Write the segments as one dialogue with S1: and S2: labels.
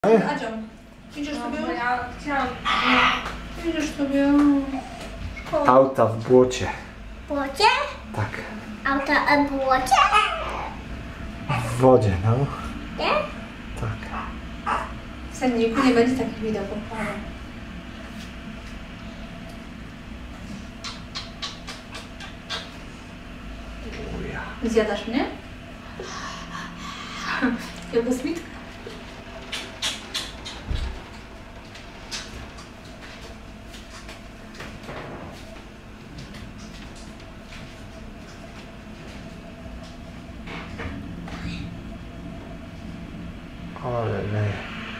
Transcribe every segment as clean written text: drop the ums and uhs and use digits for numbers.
S1: Adzią, idziesz sobie?
S2: No, ja chciałam.
S1: Idziesz sobie. Szkoła.
S3: Auta w błocie.
S4: W błocie?
S3: Tak.
S4: Auta w błocie?
S3: W wodzie, no.
S4: Nie?
S3: Tak.
S1: W Senniku nie będzie takich widoków. Zjadasz mnie? Jogosmitka?
S3: Ale leje.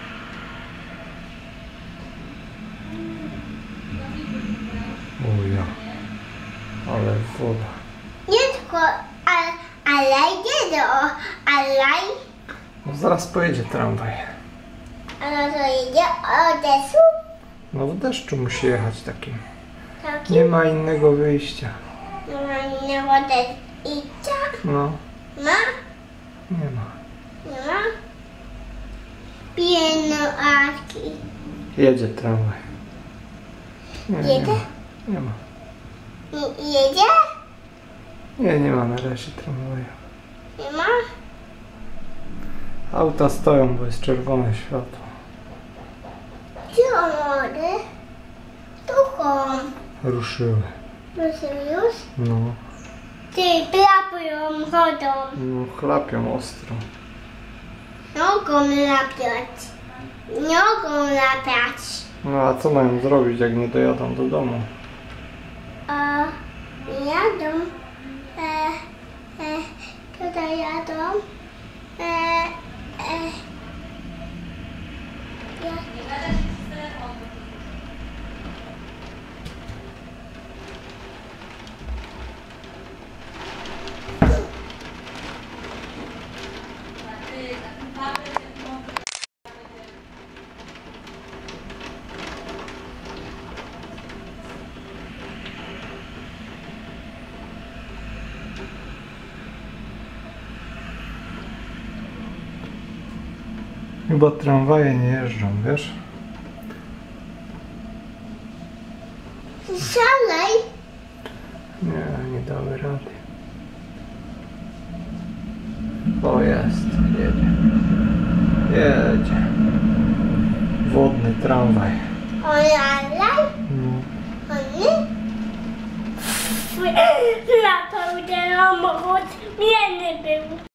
S3: Uja. Ale woda.
S4: Nie tylko, ale jedzie ale
S3: No zaraz pojedzie tramwaj.
S4: to jedzie od desu.
S3: No w deszczu musi jechać takim.
S4: Taki
S3: Nie ma innego wyjścia.
S4: nie wodę idzie.
S3: No,
S4: Ma?
S3: nie ma.
S4: Nie ma? Pienoarki.
S3: Jedzie tramwaj. Nie,
S4: Jedzie?
S3: Nie ma.
S4: Jedzie?
S3: Nie ma na razie tramwaju.
S4: Nie ma?
S3: Auta stoją, bo jest czerwone światło.
S4: Ciągle. Tuchą.
S3: Ruszyły.
S4: Proszę już?
S3: No,
S4: Ty plapują wodą.
S3: no chlapią ostro.
S4: Nogą lapiać. Nogą lapiać.
S3: No a co mają zrobić, jak nie dojadą do domu?
S4: Jadą. Tutaj jadą.
S3: Chyba tramwaje nie jeżdżą, wiesz?
S4: Szalej.
S3: Nie dały rady. O, jest, jedzie. Jedzie. Wodny tramwaj.
S4: Olalaj.
S3: No.
S4: Oni? Latał samochód. Mienny był.